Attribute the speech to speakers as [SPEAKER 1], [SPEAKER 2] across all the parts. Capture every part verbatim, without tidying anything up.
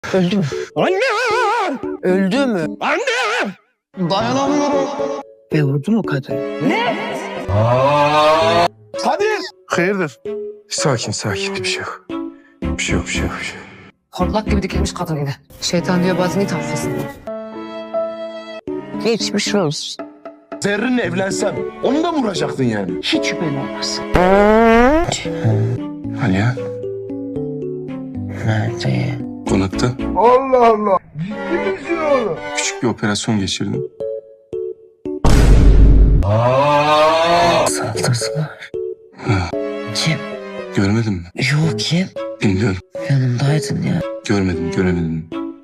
[SPEAKER 1] Öldü mü?
[SPEAKER 2] Anne!
[SPEAKER 1] Öldü mü?
[SPEAKER 2] Anne! Dayanamıyorum.
[SPEAKER 1] Ve vurdu mu kadın?
[SPEAKER 2] Kadir!
[SPEAKER 3] Hayırdır? Sakin sakin bir şey yok. Bir şey yok bir şey yok. Bir şey yok.
[SPEAKER 1] Hortlak gibi dikilmiş kadın yine. Şeytan diyor bazen it affasın. Geçmiş olsun.
[SPEAKER 2] Zerrin'le evlensem onu da mı vuracaktın yani?
[SPEAKER 1] Hiç şüphen olmasın.
[SPEAKER 3] Aliye
[SPEAKER 1] Nerede?
[SPEAKER 3] konakta.
[SPEAKER 2] Allah Allah! Ciddi misin oğlum?
[SPEAKER 3] Küçük bir operasyon geçirdim.
[SPEAKER 1] Saldırdılar. Kim?
[SPEAKER 3] Görmedin mi?
[SPEAKER 1] Yok kim?
[SPEAKER 3] Bilmiyorum.
[SPEAKER 1] Yanımdaydın ya.
[SPEAKER 3] Görmedim göremedim.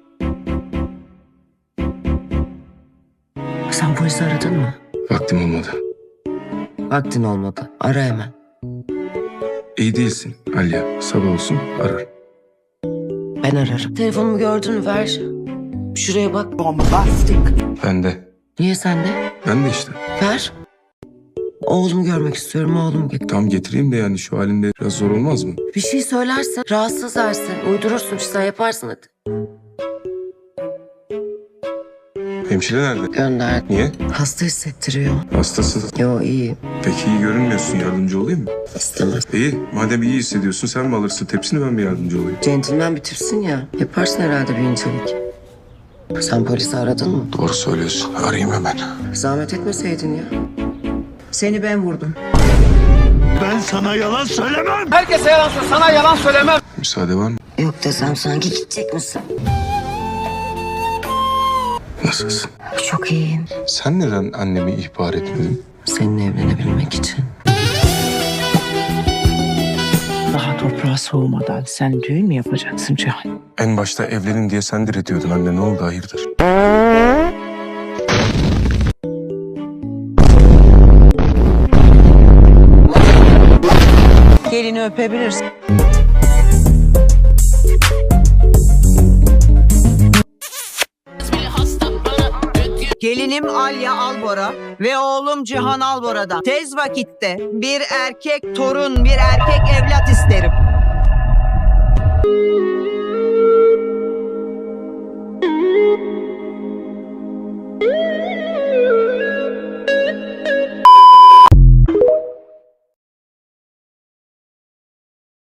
[SPEAKER 1] Sen polisi aradın mı?
[SPEAKER 3] Vaktim olmadı.
[SPEAKER 1] Vaktin olmadı. Ara hemen.
[SPEAKER 3] İyi değilsin Aliye. Sabah olsun arar.
[SPEAKER 1] Ben ararım. Telefonumu gördün mü? Ver. Şuraya bak.
[SPEAKER 3] Ben de.
[SPEAKER 1] Niye sende?
[SPEAKER 3] Ben de işte.
[SPEAKER 1] Ver. Oğlumu görmek istiyorum. Oğlumu get.
[SPEAKER 3] Tam getireyim de yani şu halinde biraz zor olmaz mı?
[SPEAKER 1] Bir şey söylersen rahatsız edersin. Uydurursun. Sen yaparsın hadi.
[SPEAKER 3] Hemşire nerede?
[SPEAKER 1] Gönder.
[SPEAKER 3] Niye?
[SPEAKER 1] Hasta hissettiriyor.
[SPEAKER 3] Hastasın.
[SPEAKER 1] Yo iyi.
[SPEAKER 3] Peki iyi görünmüyorsun. Yardımcı olayım mı?
[SPEAKER 1] İstemez.
[SPEAKER 3] İyi. Madem iyi hissediyorsun sen mi alırsın tepsini ben mi yardımcı olayım?
[SPEAKER 1] Centilmen bir tipsin ya. Yaparsın herhalde bir incelik. Sen polisi aradın mı?
[SPEAKER 3] Doğru söylüyorsun. Arayayım hemen.
[SPEAKER 1] Zahmet etmeseydin ya. Seni ben vurdum.
[SPEAKER 2] Ben sana yalan söylemem!
[SPEAKER 4] Herkese yalan söyle, sana yalan söylemem.
[SPEAKER 3] Müsaade var mı?
[SPEAKER 1] Yok desem sanki gidecek misin?
[SPEAKER 3] Nasılsın?
[SPEAKER 1] Çok iyiyim.
[SPEAKER 3] Sen neden annemi ihbar etmedin?
[SPEAKER 1] Seninle evlenebilmek için.
[SPEAKER 5] Daha toprağa soğumadan sen düğün mü yapacaksın Cihan?
[SPEAKER 3] En başta evlenin diye sen diretiyordun anne. Ne oldu hayırdır?
[SPEAKER 5] Gelini öpebilirsin. Gelinim Alya Albora ve oğlum Cihan Albora'dan tez vakitte bir erkek torun, bir erkek evlat isterim.